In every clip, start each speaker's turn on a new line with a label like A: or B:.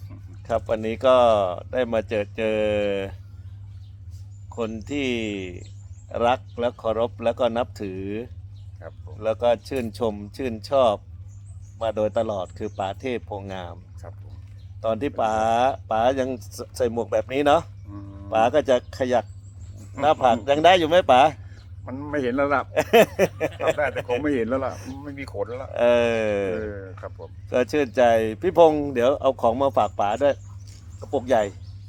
A: ครับวันนี้ก็ได้มาเจอคนที่รักและเคารพแล้วก็นับถือ
B: ครับผม
A: แล้วก็ชื่นชมชื่นชอบมาโดยตลอดคือป๋าเทพโพงาม
B: ครับผม
A: ตอนที่ป๋ายังใส่หมวกแบบนี้เนาะ
B: อืม
A: ป๋าก็จะขยักหน้าผากยังได้อยู่ไหมป๋า
B: มันไม่เห็นแล้วล่ะ ทำได้แต่คงไม่เห็นแล้วล่ะไม่มีขนแล้วล่ะ
A: เออ
B: ครับผม
A: ก็ชื่นใจพี่พงษ์เดี๋ยวเอาของมาฝากป๋าด้วยกระปุกใหญ่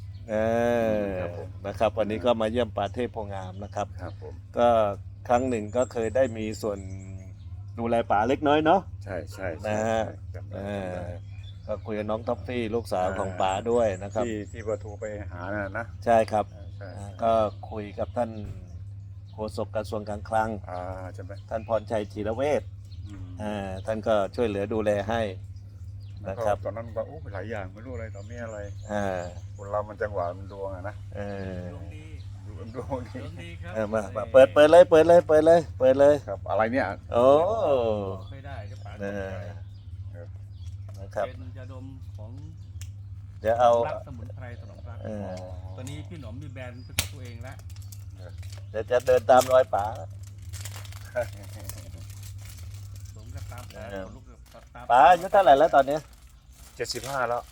A: นะครับ วันนี้ก็มาเยี่ยมป๋าเทพโพงามนะครับ
B: ครับผม
A: ก็ครั้งหนึ่งก็เคยได้มีส่วนดูแลป๋าเล็กน้อยเนาะ
B: ใช่ใช่
A: นะฮะ
B: จำได้
A: เอ
B: จำ
A: อ
B: ได้
A: ก็คุยกับน้องท็อฟฟี่ลูกสาวของป๋าด้วยนะครับ
B: ที่ประตูไปหาน่ะนะ
A: ใช่ครับ
B: ใช่
A: ก็คุยกับท่านโฆษกกระทรวงการคลัง
B: ใช่ไหม
A: ท่านพรชัยธีรเวช
B: อืม
A: ท่านก็ช่วยเหลือดูแลให้
B: แล้ว
A: นะ
B: ก็
A: ครับ
B: ตอนนั้นก็หลายอย่างไม่รู้อะไรต่อไม่อะไร
A: อ่า
B: คนเรามันจังหวะมันดวงอะนะ
A: เออ
C: ดวงดี
B: ดวงดี
C: ดวงดีครับ
A: มาเปิดเลย
B: ครับ อะไรเนี่ย
A: โอ้
C: ไม่ได้ก็ป๋า
A: เออนะครับ
C: เป็นยาดมของ
A: เดี๋ยวเอา
C: รักสมุนไพรถนอมรัก
A: เออ
C: ตอนนี้พี่หนอมมีแบรนด์เป็นของตัวเองแล้ว
A: เดี๋ยวจะเดินตามรอยป๋า
C: สมกับตาม
A: เออ
C: ลูกกับตาม
A: ป๋าอายุเท่าไหร่แล้วตอนนี้
B: 75แล้ว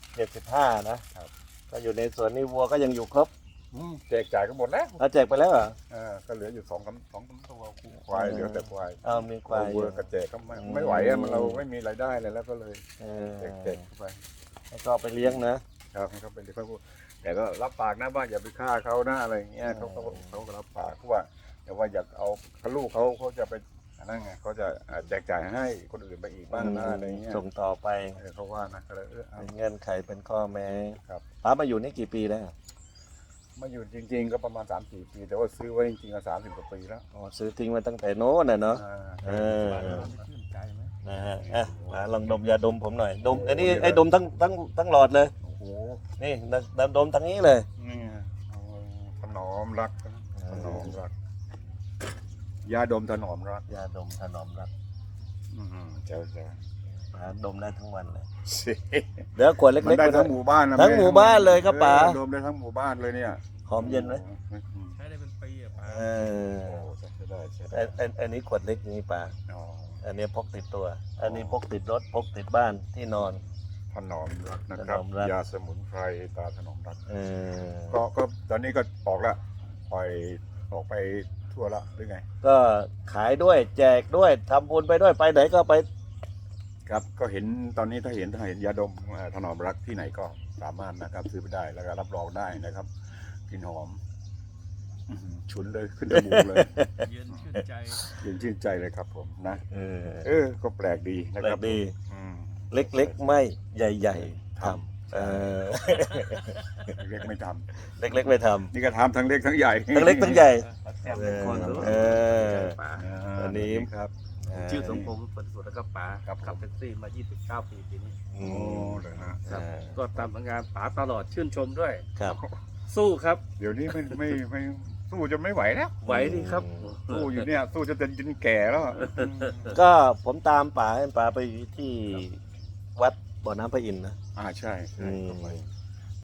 A: 75นะครับ ก็อยู่ในสวนนี่วัวก็ยังอยู่ครบ
B: แจกจ่ายก็หมดแล้ว
A: เราแจกไปแล้วเหรอ
B: ก็เหลืออยู่สองตัวควายเหลือแต่ควาย
A: เอามีควายอ
B: วั
A: ยู่
B: วกระแจกก็ไม่ไหวอะมันเราไม่มีรายได้เลยแล้วก็เลย
A: เออ
B: แจกเข้าไป
A: แล้วก็เอาไปเลี้ยงนะครับ
B: เขาเป็นเขาแต่ก็รับปากนะว่าอย่าไปฆ่าเขานะอะไรอย่างเงี้ยเขาก็รับปากว่าแต่ว่าอยากเอาลูกเขาจะไปนั่นไงเขาจะแจกจ่ายให้คนอื่นไปอีกบ้างนะอะไรเงี้ย
A: ส่งต่อไป
B: เขาว่านะก็เลยเอา
A: เป็นเงื่อนไขเป็นข้อแม้
B: ครับ
A: ป๋ามาอยู่นี่กี่ปีแล้ว
B: มาอยู่จริง ๆ ก็ประมาณ3-4 ปีแต่ว่าซื้อไว้จริงๆก็30 กว่าปีแล้ว
A: อ๋อซื้อทิ้งมาตั้งแต่โน้นน่ะเนาะ เออ
C: ป๋าหนอมชื่นใจไหม
A: นะฮะป๋าลองดมยาดมผมหน่อยดมอันนี้ไอ้ดมทั้งหลอดเลย
B: โอ้โห
A: นี่ดมทั้งนี้เลย
B: นี่ไงเอาถนอมรักถนอมรักยาดมถนอมรัก
A: ยาดมถนอมรัก
B: เจ้า
A: ป๋าดมได้ทั้งวันเลย
B: สิ
A: เดี๋ยวขวดเล็
B: มัน
A: กๆ
B: ได้
A: ไป
B: ทั้งหมู่บ้านนะ
A: ทั้งหมู่บ้านเลยครับป๋า
B: ดมได้ทั้งหมู่บ้านเลยเนี่ย
A: หอมเย็นไหม
C: ใช้ได้เป็นปีอะป๋า
A: เออ
B: โอ้ใช่ได้ใช่ได้
A: อันนี้ขวดเล็กนี่ป๋า
B: อ๋อ
A: อันนี้พกติดตัว อันนี้พกติดรถพกติดบ้านที่นอน
B: ถนอมรักนะค
A: ถ
B: รับ
A: นอมรัก
B: ยาสมุนไพรตาถนอมรัก
A: เออ
B: ก็ตอนนี้ก็ออกละปล่อยออกไปทั่วละหรือไง
A: ก็ขายด้วยแจกด้วยทำบุญไปด้วยไปไหนก็ไป
B: ครับก็เห็นตอนนี้ถ้าเห็นยาดมถนอมรักที่ไหนก็สามารถนะครับซื้อไปได้แล้วก็รับรองได้นะครับกลิ่นหอมฉุนเลยขึ้นจมูกเลย
C: เย็นชื่นใจ
B: เย็นชื่นใจเลยครับผมนะ
A: เออ
B: ก็แปลกดีนะ
A: แปล
B: ครับ
A: กดี
B: อืม
A: เล็กๆไม่ใหญ่ๆทำ
B: เล็กไม่ท
A: เล็กๆไม่ท
B: ำนี่ก็ทำทั้งเล็กทั้งใหญ่
A: ำทั้งเล็กทั้งใหญ่
C: แซ่บเป็นคนรู้
A: เออ
C: ป๋า
A: อันนี้
B: ครับ
C: ชื่อสมพงษ์ผลสุดแล้วก็ป๋า
B: ครับผม
C: ขับแท็กซี่มา 29 ปีปีนี้
A: อื
B: โอ้
A: ม
B: เลยฮะ
C: ครับก็ตามผลงานป๋าตลอดชื่นชมด้วย
A: ครับ
C: สู้ครับ
B: เดี๋ยวนี้ไม่สู้จะไม่ไหวแล้ว
C: ไหวดีครับ
B: สู้อยู่เนี่ยสู้จะจนแก่แล้วอะ
A: ก็ผมตามป๋าให้ป๋าไปที่วัดบ่อน้ำพระอินทร์นะ
B: ใช่
A: อืม
B: ก็ไป